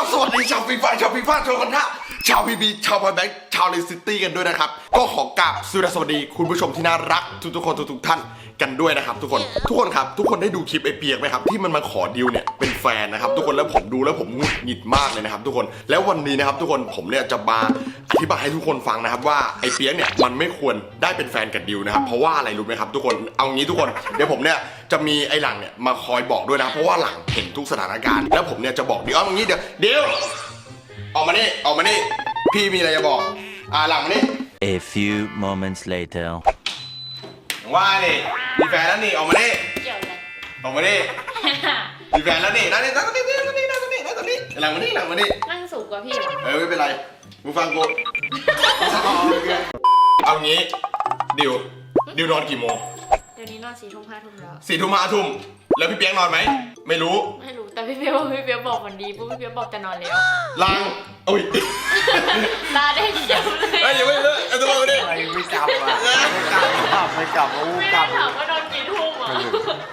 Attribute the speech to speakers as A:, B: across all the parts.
A: สวัสดีชาวฟีฟ่าชาวคนท่าชาวพีบีชาวพอยแบงค์ชาวเลสซิตี้กันด้วยนะครับก็ขอกราบสวัสดีคุณผู้ชมที่น่ารักทุกคนทุกท่านกันด้วยนะครับทุกคนครับทุกคนได้ดูคลิปไอ้เปียกไหมครับที่มันมาขอดิวเนี่ยเป็นแฟนนะครับทุกคนแล้วผมดูแล้วผมหงุดหงิดมากเลยนะครับทุกคนแล้ววันนี้นะครับทุกคนผมเนี่ยจะมาอธิบายให้ทุกคนฟังนะครับว่าไอ้เปียกเนี่ยมันไม่ควรได้เป็นแฟนกับดิวนะครับเพราะว่าอะไรรู้ไหมครับทุกคนเอางี้ทุกคนเดี๋ยวผมเนี่ยจะมีไอ้หลังเนี่ยมาคอยบอกด้วยนะเพราะว่าหลังเห็นทุกสถานการณ์แล้วผมเนี่ยจะบอกดิวเอาอย่างนี้เดี๋ยวออกมานี่พี่มีอะไรจะบอกหลังมานี่
B: A few moments later
A: ว่านี่มีแฟนแล้วนี่ออกมานี่
C: เกี่ยวเลย
A: ออกมานี่มีแฟนแล้วนี่นั่งตรงนี้หลังมานี่
C: นั่งสูงกว่าพี่เหรอ
A: ไม่เป็นไรมึงฟังกูเอางี้ดิวนอนกี่โมง
C: เดี๋ยวนี้นอน4 ทุ่ม 5 ทุ่มแล้ว
A: 4 ทุ่ม 5 ทุ่มแล้วพี่เปียกนอนไหมไม่รู้
C: แต่พี่เปียกบอกวันดีปุ๊บพี่เปียกบอกจะนอนแล้ว
A: ลังอุ้ย
C: ตาได้เขียวเลย
A: อย่าไม่เอาตัวมาดิ
D: ไม่กลับอ่ะไม่กลับ
C: ไม่ได้ถามว่านอนกี่ทุ่มอ่ะ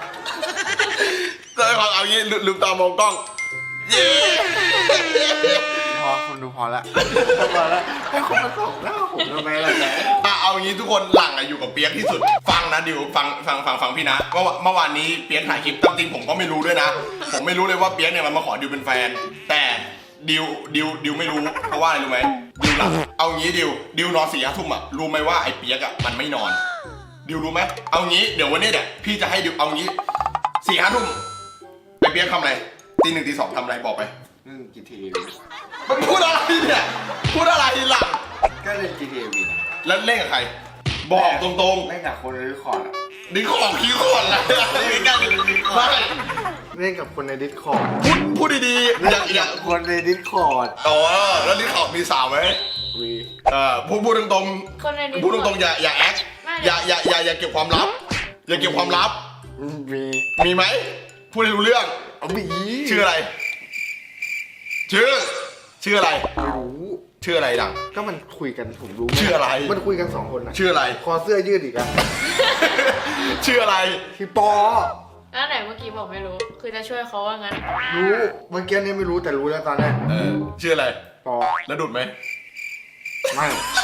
A: เอางี้ลืมตามองกล้องเย้
D: พอคุณดูพอละให้คนมาส่งหน้าผมทำไมล่ะเนี่ย
A: เอางี้ทุกคนหลังอยู่กับเปียกที่สุดฟังนะดิวฟังพี่นะเมื่อวานนี้เปียกถ่ายคลิปตามจริงผมก็ไม่รู้ด้วยนะผมไม่รู้เลยว่าเปียกเนี่ยมันมาขอดิวเป็นแฟนแต่ดิวไม่รู้เพราะว่าอะไรรู้ไหมดิวหลับเอางี้ดิวนอน4 5 ทุ่มอ่ะรู้ไหมว่าไอ้เปียกอ่ะมันไม่นอนดิวรู้ไหมเอางี้เดี๋ยววันนี้เนี่ยพี่จะให้ดิวเอางี้4 5 ทุ่มไอ้เปียกทำอะไรตี 1 ตี 2ทำอะไรบอกไป
D: กี่ที
A: มันพูดอะไรเนี่ยพูดอะไรหลัง
D: ก็เล่น GTA วิน
A: แล้วเล่นกับใครบอกตรง
D: เล่นกับคนในดิสคอร์ด
A: ๆดิของขี้ขอนนะไม่กล้าไม่
D: เล่นกับคนในดิสคอร์ด
A: พูดดีๆอย่า
D: คนในดิสคอร์ด
A: อ๋อแล้วดิของมีสาวไหม
D: วี
A: พูดตรง
C: คนในนี้
A: ๆพูดตรงๆอย่าแอคอย่าเก็บความลับอย่าเก็บความลับ มีไหมพูดให้รู้เรื่อง
D: มี
A: ชื่ออะไรชื่ออะไร
D: ไม่รู้
A: ชื่ออะไรดัง
D: ก็มันคุยกันผมรู้
A: ชื่ออะไร
D: มันคุยกัน2 คนนะ
A: ชื่ออะไร
D: คอเสื้อยืดอีกอะ
A: ชื่ออะไร
D: พี่ปอ
C: แล้วไหนเมื่อกี้บอกไม่รู้ คือจะช่วยเขาว่างั้น
D: รู้เมื่อกี้เนี่ยไม่รู้แต่รู้แล้วตอนแรก
A: ชื่ออะไร
D: ปอ
A: แล้วดุดไหม
D: ไม่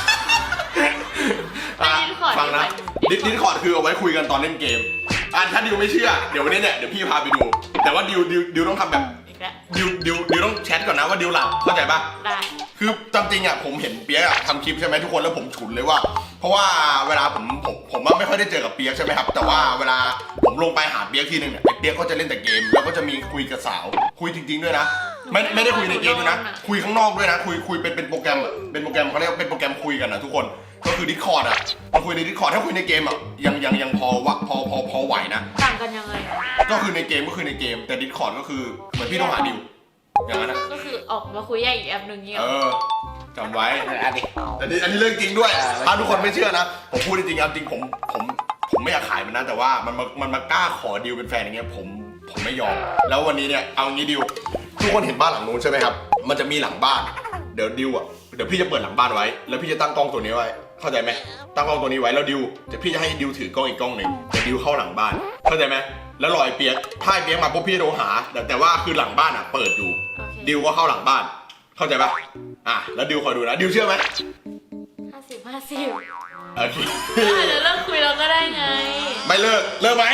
A: ฟังนะดิสคอร์ดคือเอาไว้คุยกันตอนเล่นเกมถ้าดิวไม่เชื่อเดี๋ยววันนี้เนี่ยเดี๋ยวพี่พาไปดู แต่ว่าดิวต้องทำแบบ
C: อีกแล้ว
A: ดิวต้องแชทก่อนนะว่าดิวหลับเข้าใจปะ
C: ได้
A: คือจำจริงอ่ะผมเห็นเปียกอ่ะทำคลิปใช่ไหมทุกคนแล้วผมฉุนเลยว่า เพราะว่าเวลาผมว่าไม่ค่อยได้เจอกับเปียกใช่ไหมครับแต่ว่าเวลาผมลงไปหาเปียกทีนึงเนี่ยไอ้เปียกก็จะเล่นแต่เกมแล้วก็จะมีคุยกับสาวคุยจริงๆด้วยนะไม่ได้คุยในเกมด้วยนะคุยข้างนอกด้วยนะคุยเป็นโปรแกรมเป็นโปรแกรมเขาเรียกว่าเป็นโปรแกรมคุยกันนะทุกคนก็คือ Discord อ่ะมาคุยใน Discord ถ้าคุยในเกมอ่ะยังพอไหวนะ
C: ต่างกันยังไงอะ
A: ก็คือในเกมก็คือในเกมแต่ Discord ก็คือเหมือนพี่ต้องหาดิวอย่างนั้นนะ
C: ก็คือออกมาคุยแยกอีกแอปหนึ่งเงี้ย
A: จำไว้
D: อันนี้
A: อันนี้เรื่องจริงด้วยถ้าทุกคนไม่เชื่อนะผมพูดจริงๆจริงผมไม่อยากขายมันนะแต่ว่ามันมากล้าขอดิวเป็นแฟนอย่างเงี้ยผมไม่ยอมแล้ววันนี้เนี่ยเอางี้ดิวทุกคนเห็นบ้านหลังนู้นใช่ไหมครับมันจะมีหลังบ้านเดี๋ยวดิวอ่ะเดี๋ยวพี่จะเปิดหลังบ้านไว้แล้วพี่จะตั้งกล้องตัวนี้ไว้เข้าใจไหมตั้งกล้องตัวนี้ไว้แล้วดิวเดี๋ยวพี่จะให้ดิวถือกล้องอีกกล้องหนึ่งเดี๋ยวดิวเข้าหลังบ้านเข้าใจไหมแล้วรอไอ้เปียกถ้าไอ้เปียกมาปุ๊บพี่โทรหาแต่ว่าคือหลังบ้านอ่ะเปิดอยู่
C: โอเค
A: ดิวก็เข้าหลังบ้านเข้าใจปะแล้วดิวคอยดูนะดิวเชื่อไหม
C: 50
A: โอเค
C: เดี๋ยวเลิกคุยเราก็ได้ไง
A: ไม่เลิกไหม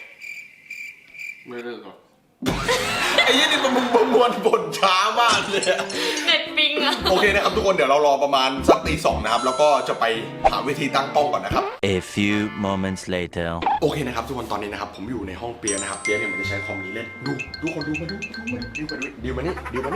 D: ไม่เลิกหรอก
A: ไอ้ยี่นี่มึงบ่นช้ามากเลยอะ
C: เน็ตปิงอะ
A: โอเคนะครับทุกคนเดี๋ยวเรารอประมาณสักตี 2นะครับแล้วก็จะไปหาวิธีตั้งกล้องก่อนนะครับ
B: A few moments later
A: โอเคนะครับทุกคนตอนนี้นะครับผมอยู่ในห้องเปียนะครับเปียเนี่ยมันจะใช้คอมนี้เล่นดูคนดูมาดิวมานี่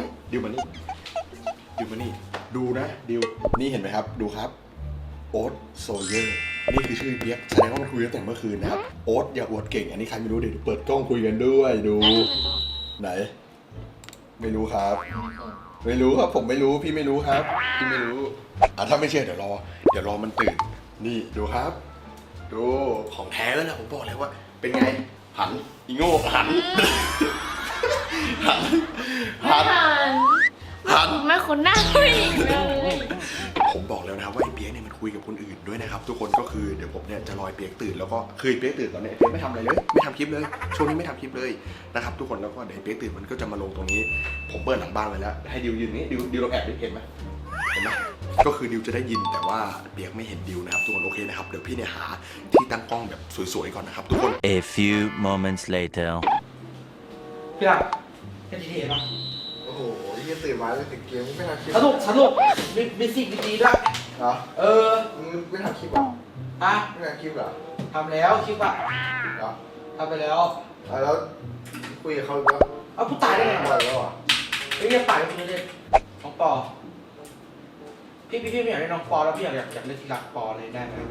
A: ดูนะดิวนี่เห็นไหมครับดูครับโอ๊ตโซเยอร์นี่คือชื่อเปียกแสดงว่ามันคุยตั้งแต่เมื่อคืนนะครับโอ๊ตอย่าอวดเก่งอันนี้ใครไม่รู้เดี๋ยวเปิดกล้องคุยกันด้วยดูไหนไม่รู้ครับผมไม่รู้พี่ไม่รู้ครับพี่ไม่รู้ถ้าไม่เชื่อเดี๋ยวรอมันตื่นนี่ดูครับดูของแท้แล้วนะผมบอกเลยว่าเป็นไงหันอีโง่หันฉัน
C: ไม่คุ้นหน้าผู้หญิงเลย
A: ผมบอกแล้วนะครับว่าไอ้เปียกเนี่ยมันคุยกับคนอื่นด้วยนะครับทุกคนก็คือเดี๋ยวผมเนี่ยจะรอไอ้เปียกตื่นแล้วก็คือไอ้เปียกตื่นตอนนี้ไอ้เปียกไม่ทำอะไรเลยไม่ทำคลิปเลยช่วงนี้ไม่ทำคลิปเลยนะครับทุกคนแล้วก็เดี๋ยวไอ้เปียกตื่นมันก็จะมาลงตรงนี้ ผมเปิดหลังบ้านไว้แล้วให้ดิวยืนนี้ดิวเราแอบดิเห็นไหมเห็นไหมก็คือดิวจะได้ยินแต่ว่าเปียกไม่เห็นดิวนะครับทุกคนโอเคนะครับเดี๋ยวพี่เนี่ยหาที่ตั้งกล้องแบบสวยๆก่อนนะครับทุกคน
B: A few moments later.
E: พี่หลักแค่ทีเดียวปะ
D: โอ้โหยี่ตื่นมาเลยติดเกมไม่ทำคลิป
E: สนุกมีสิ่งดีๆด้วย
D: เหรอ
E: เออ
D: มึงไม่ทำคลิปเหรอ
E: อ่ะ
D: ไม่ทำคลิปเหรอ
E: ทำแล้วคลิปอะ
D: เหรอ
E: ทำไปแล้ว
D: แล้วคุยกับเขาหรือเปล่า
E: เอากูตายได้ไง
D: ปล่อยแล้วเหรอ
E: เฮ้ยอย่าป่าไปคุณเล่นน้องปอพี่ไม่อยากเล่นน้องปอแล้วพี่อยากเล่นที่รักปอเลยได้ไหม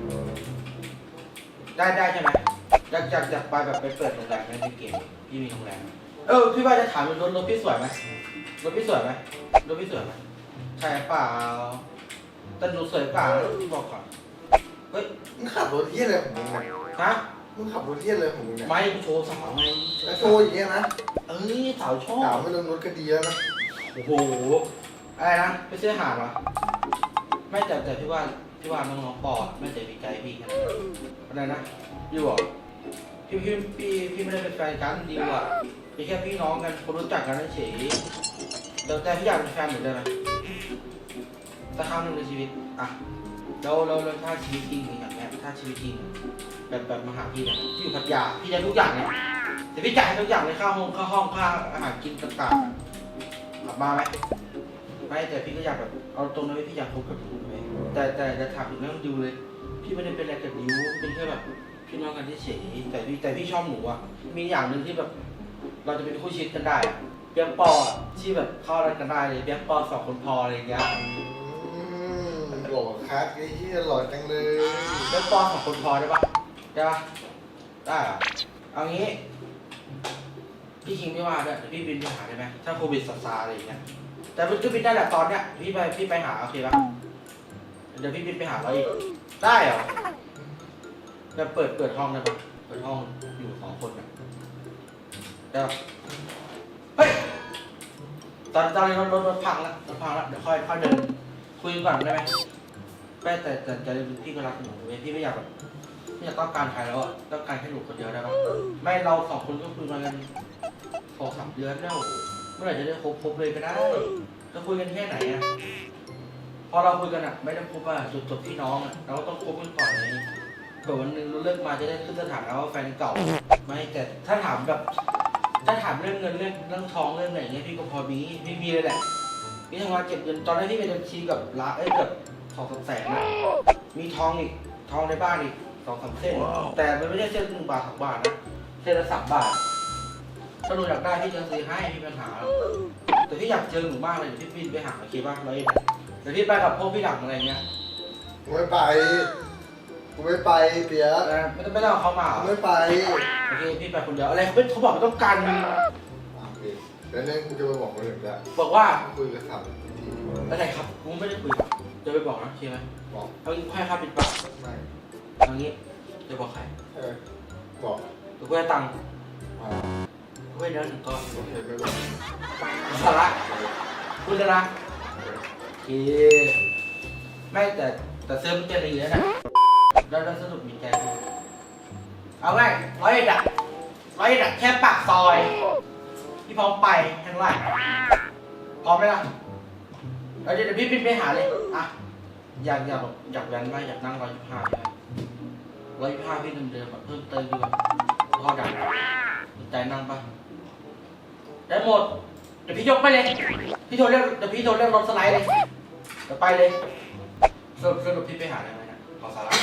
E: ได้ใช่ไหมอยากไปแบบไปเปิดโรงแรมในเกมพี่มีโรงแรมพี่ว่าจะถามรถพี่สวยไหมรถพี่สวยไหมใช่เปล่าแต่หนูสวยเปล่าพี่บอกก่อนเฮ้ย
D: มึงขับรถเที่ยอะไรของมึงเนี่ย
E: ฮะ
D: มึงขับรถเที่ยอะไรของมึงเนี่ย
E: ไม่โชว์สาวไง
D: แล้วโชว์อย่างเงี้ยนะ
E: สาวชอ
D: ถาม
E: บ
D: ไม่ลงรถก็ดีแล้วนะ
E: โอ้โหอะไรนะไปซื้ออาหารเหรอไม่แต่พี่ว่าน้องปอไม่ใจมีใจพี่แค่นั้นอะไรนะอยู่อ่ะพี่ไม่ได้เป็นแฟนกันดีกว่าพี่แค่พี่น้องกันคนรู้จักกันเฉยแต่พี่อยากเป็นแฟนเหมือนเดิมนะสักครั้งหนึ่งในชีวิตอ่ะแล้วถ้าชีวิตจริงอย่างเงี้ยถ้าชีวิตจริงแบบมาหาพี่เนี่ยพี่อยู่พัทยาพี่จะทุกอย่างเนี่ยแต่พี่จ่ายให้ทุกอย่างเลยค่าห้องค่าอาหารกินต่างๆกลับมาไหมไม่แต่พี่ก็อยากแบบเอาตรงนั้นพี่อยากคบกับดิวไหมแต่ถามถึงเรื่องดิวเลยพี่ไม่ได้เป็นอะไรกับดิวเป็นแค่แบบพี่น้องกันที่เฉยแต่พี่ชอบหนูอ่ะมีอย่างหนึ่งที่แบบเราจะเป็นคู่ชีวิตกันได้อะเปียกปออ่ะที่แบบเข้ากันได้เลยเปียกปอสองคนพออะไรอย่างเงี้ย
D: หล่อคักไอ้เหี้ยหล่อจังเลย
E: เปียกปอสองคนพอได้ปะได้เหรอเอางี้พี่คิงไม่ว่าด้วยเดี๋ยวพี่บินไปหาได้ไหมถ้าโควิดซาอะไรอย่างเงี้ยแต่มันก็บินได้แหละตอนเนี้ยพี่ไปหาโอเคปะเดี๋ยวพี่บินไปหาเราอีกได้เหรอจะเปิดห้องได้ปะเปิดห้องอยู่2 คนนะได้ปะเฮ้ยตอนนี้รถพังแล้วเดี๋ยวค่อยเดินคุยก่อนได้ไหมแต่พี่ก็รักหนูเว้ยพี่ไม่อยากแบบไม่อยากต้องการใครแล้วอะต้องการแค่หนูคนเดียวได้ปะไม่เรา2 คนก็คุยมากัน2-3 เดือนแล้วเมื่อไหร่จะได้ครบเลยก็ได้จะคุยกันแค่ไหนอะพอเราคุยกันอะไม่ได้คบอะจบพี่น้องอะเราก็ต้องคบกันก่อนไงเผื่อวันนึงเราเลิกมาจะได้ขึ้นสถานะว่าแฟนเก่าไม่แต่ถ้าถามเรื่องเงินเรื่องทองเรื่องอะไรอย่างเงี้ยพี่ก็พอมีเลยแหละพี่ทำงานเก็บเงินตอนแรกพี่เป็นบัญชีกับกับ2-3 แสนนะมีทองในบ้านอีก2-3 เส้นแต่มันไม่ใช่เส้น1 บาท 2 บาทนะเส้นละ3 บาทถ้าหนูอยากได้พี่จะซื้อให้ไม่มีปัญหาแต่พี่อยากเจอหนูมากเลยพี่บินไปหาโอเคป่ะเราเองเดี๋ยวพี่ไปกับพวกพี่หลังอะไรเงี้ย
D: กูไม่ไปเปียก
E: ไม่ต้องเอาเขามา
D: กูไม่ไป
E: โอเคพี่ไปคนเดียวอะไรเขาบอกไม่ต้องการมึง
D: แล้วเนี่ยกูจะไปบอกคนอื่นแล้ว
E: บอกว่า
D: คุยกับสาวที
E: อะไรครับกูไม่ได้คุยจะไปบอกนะโอเคไหม
D: บอก
E: เอางี้ให้ค่าปิดปาก
D: ไม่
E: เอางี้จะบอกใคร
D: บอก
E: เดี๋ยวกูให้ตังค์
D: อ่า
E: กูให้เดือน1 ก้อน
D: โอเคไม่บอก
E: สาระพูดแล้วนะโอเคไม่แต่เสื้อมันจะดีแล้วนะแล้วสรุปมีใจดีเอาไง100 ดักแค่ปากซอยพี่พร้อมไปทั้งวันพร้อมไหมล่ะเดี๋ยวพี่บินไปหาเลยอ่ะอยากแว้นไหมอยากนั่ง125ใช่ไหม125พี่เดิมๆแบบเพิ่มเติมดีกว่าพอดักใจนั่งปะได้หมดเดี๋ยวพี่ยกไปเลยพี่โทรเรียกรถสไลด์เลยเดี๋ยวไปเลยสรุปพี่ไปหาได้ไหมนะขอสาระ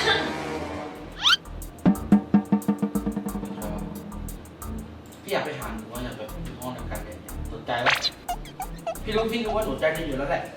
E: พี่อยากไปหาหนูว่าอยากแบบอยู่ห้องเดียวกันเลยสนใจไหมพี่รู้ว่าหนูใจดีอยู่แล้วแหละ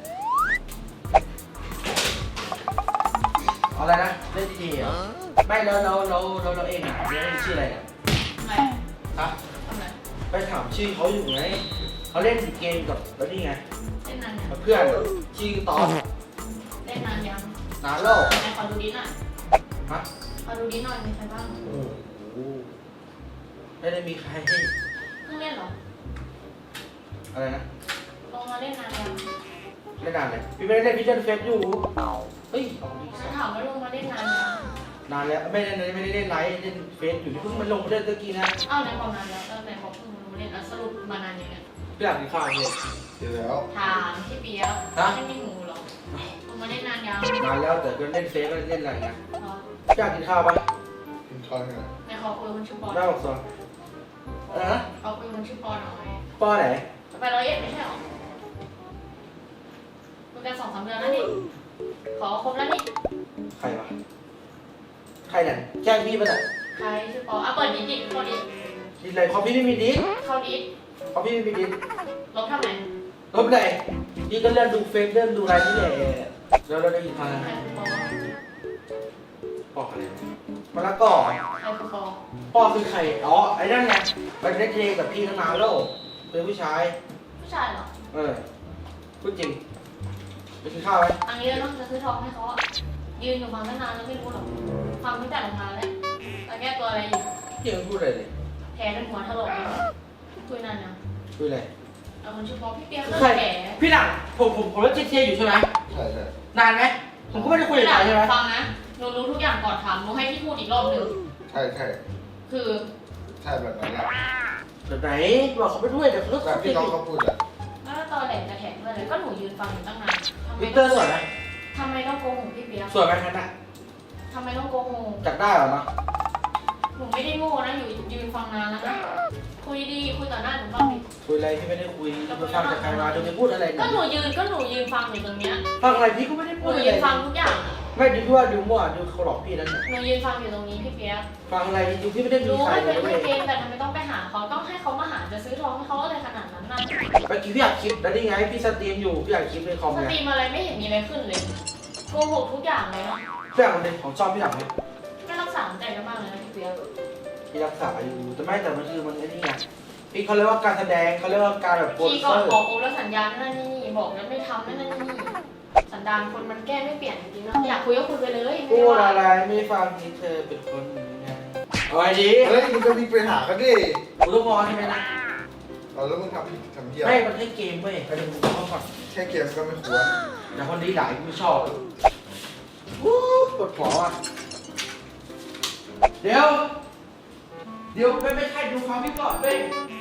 E: อะไรนะเล่นดีเหรอไม่เราเองอ่ะเล่นชื่ออะไรเนี่ย
C: ทำไม
E: ฮะ
C: ทำไม
E: ไปถามชื่อเขาอยู่ไงเขาเล่นเกมกับแล้วนี่ไง
C: เล่นนานยัง
E: กับเพื่อนชื่อตอน
C: เล่นนานยัง
E: นานโลก
C: ไหนขอดูดิหน่อย
E: ฮะ
C: ขอดูดิหน่อยมีใครบ้าง
E: โอ้โหไม่ได้มีใครให้
C: เพิ่งเล่นเหรอ
E: อะไรนะ
C: ลงมาเล่นนานยัง
E: เล่นนานเลยพี่ไม่ได้เล่นพี่เล่นเฟซอยู่เฮ้ยเอาดิ
C: ฉันถามว่าลงมาได้นานยัง
E: นานแล้วไม่ได้เล่นไลฟ์เล่นเฟซอยู่ที่เพิ่งมันลงเล่นตะกี้นะ
C: อ้าวไหนบอกนานแล้วไหนบอกเพิ่งมาเล่นแล้วสรุปมานานยังไง
E: พี่อยากกินข้าวเลย
D: เดี๋ยวแล้ว
C: ถามพี่เปียก
E: ฮะ
C: ไม่มีหูหรอลงมาได้นานยัง
E: นานแล้วแต่ก็เล่นเฟซก็เล่นอะไรเงี้ย
C: เหรอ
E: พี่อยากกินข้าวปะ
D: กินข้าวยังไง
C: ไหนขอคุยกับคนชื่อปอน
E: ได้บอกสอนอะไรนะ
C: ขอคุยกับคนชื่อปอนหน่อย
E: ปอไหน
C: จะไป101ไม่ใช่หรอคุยกัน2-3 เดือนแล้วนี่ขอครบแล้วนี่
E: ใครวะใครเนี่ยแจ้งพี่ปะเนี่ย
C: ใครชื่อปอนเปิดดิจิเข้าดิ
E: ดินเลยคอมพี่ไม่มีดิส
C: เข้าดิ
E: คอมพี่ไม่มีดิส
C: ลบทำไม
E: ลบไหนพี่ก็เลื่อนดูเฟซเลื่อนดูอะไรนี่แหละแล้วเราได้ยินมา
C: ใครคือปอ
E: ปอกอะไรมะละกอ
C: ใครคือปอ
E: ปอคือใครอ๋อไอ้นั่นไงมันได้เทกับพี่ตั้งนานแล้วเป็นผู้ชาย
C: ผู้ชายเหรอ
E: พูดจริงไปกินข้าวไหม
C: อันนี้เราต้องจะซื้อทองให้เขาอะยืนอยู่ฟังตั้งนานแล้วไม่รู้หรอกฟังตั้งแต่ลงมาแล้วแต่แก้ตัวอะไรอยู่
E: พี่ยังพูดอะไรเลย
C: แผลเป็นหัวถลอกอยู่คุยนานนะ
E: พูดอะไร
C: เอาคนชื่อปอพี่เปียก
E: คื
C: เลิ
E: อก ใคร
C: แผล
E: พี่หลังผมว่าเทียอยู่ใช่ไหม
D: ใช่ใช่
E: นานไหมผมก็ไม่ได้คุยกับใครใช่ไหม
C: ฟังนะหนูรู้ทุกอย่างก่อนถามหนูให้พี่พูดอีกรอบหนึ่ง
D: ใช่ใช่
C: คือ
D: ใช่แบบนั้นแหละ
E: แบบไหนบอกเขาไปด้วยเดี๋ยวเขา
D: แบบที่น้องเขาพูดอะ
C: แล้วตอนแหลกจะแถมเพื่ออะไรก็หนูยืนฟังอยู่ตั้งนานทำไม
E: วิกเตอร์สวยไหม
C: ทำไมต้องโกหกพี่เปียก
E: สวยไหมคะน่ะ
C: ทำไมต้องโกหก
E: จัดได้เหรอเนาะ
C: หนูไม่ได้โง่นะอยู่ยืนฟังนานแล้วนะคุยดีคุยต่อหน้าหนูบ้างดิ
E: คุยอะไรพี่ไม่ได้คุยไปฟังจากใครมาจะไปพูดอะไร
C: ก็
E: เนี่ย
C: หนูยืนฟังอยู่ตรงเนี้ย
E: ฟังอะไรพี่ก็ไม่ได้
C: ห
E: พู
C: นู
E: ดอะไร
C: ยืนฟังทุกอย่าง
E: ไม่ดูพี่ว่าดูมั่วดูเขาหลอกพี่นั่นน่ะ
C: หนูยืนฟังอยู่ตรงนี้พี่เปียก
E: ฟังอะไรดูพี่ไม่ได้มี
C: รู้
E: ใคร
C: ไม่
E: เล
C: เป็น
E: ย
C: ไม่เป็นแต่ทำไมต้องไปหาเขาต้องให้เขามาหาจะซื้อทองให้เขาอะไรขนาดนั้นน่ะ
E: เมื่อกี้พี่อยากคลิปแล้วนี่ไงพี่สตรีมอยู่พี่อยากคลิปในคอม
C: ส
E: ไง
C: ตรีมอะไรไม่เห็นมีอะไรขึ้นเลยโกหกทุกอย่างเลยนะ
E: พี่อยากคนเดียวของชอบพี่อยากไหม
C: ไม่รักษาใจกันบ้างเลยนะพี่เปียก
E: พี่รักษาอยู่แต่ไม่แต่มันคือมันไอ้นี่ไงพี่เขาเรียกว่าการแสดงเขาเรียกว่าการแบบโปร
C: ที
E: ดิว
C: ก่
E: เซ
C: อน
E: อร์
C: บอกโอ้แล้วสัญญาณนั่นนี่บอกแล้วไม่ทำนั่นนี่สันดานคนมันแก้ไม่เปลี่ยนจริงๆนะอยากคุยก็คุยไปเลยไม่
E: พู
C: ได้
E: ด
C: ว่า
E: อะไรไม่ฟังที่เธอเป็นคนยังไงเอาไว้ดี
D: เฮ้ยมึงจะวิ่งไปหาเขาดิ
E: กูต้องมองใช่ไหมนะ
D: เอาแล้วมึงทำเที่ยว
E: ไม่มันแค่เกมเว้ยไปดูเขาก่อน
D: แค่เกมก็ไม่ควร
E: แต่คนดีหลายกูไม่ชอบวู้ปวดหัวว่ะเดี๋ยวไม่ใช่ดูความพี่ก่อนเว้ย